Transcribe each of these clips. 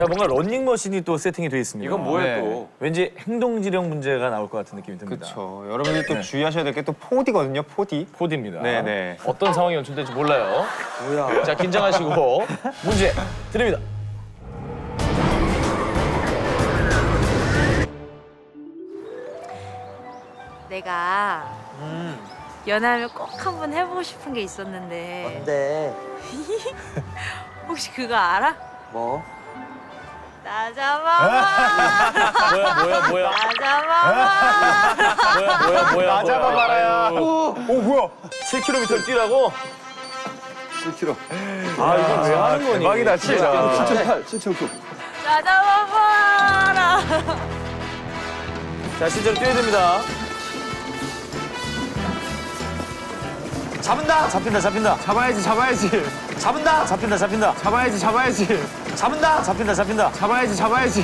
자, 뭔가 런닝머신이 또 세팅이 돼 있습니다. 이건 뭐예요 또? 왠지 행동지령 문제가 나올 것 같은 느낌이 듭니다. 그렇죠. 여러분들 또 주의하셔야 될 게 또 4D거든요, 4D. 4D입니다. 네네. 어떤 상황이 연출될지 몰라요. 뭐야? 자, 긴장하시고 문제 드립니다. 내가 연하면 꼭 한번 해보고 싶은 게 있었는데 뭔데? 혹시 그거 알아? 뭐? 나 잡아봐. 뭐야. 나 잡아봐. 뭐야. 나 잡아봐라야. 오, 뭐야? 7km 뛰라고? 7kg. 아, 이건 왜 하는 거니? 대박이다, 진짜. 7.9. 나 잡아봐라. 자, 실제로 뛰어야 됩니다. 잡은다! 잡힌다. 잡아야지. 잡힌다. 잡아야지. 잡힌다. 잡아야지.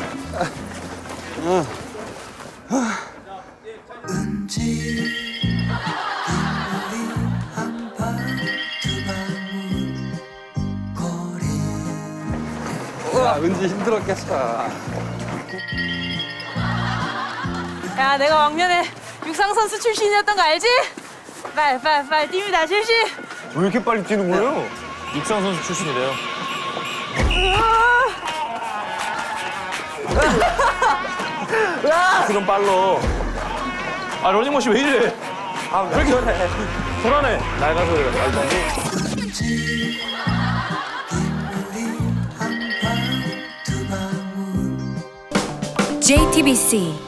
와, 은지 힘들었겠어. 야, 내가 왕년에 육상 선수 출신이었던 거 알지? 빨리 뜁니다, 실시. 왜 이렇게 빨리 뛰는 거예요? 육상 선수 출신이래요. 그럼 빨로. 아, 러닝머신 왜 이래? 왜 이렇게 불안해. 낡아서 그래. JTBC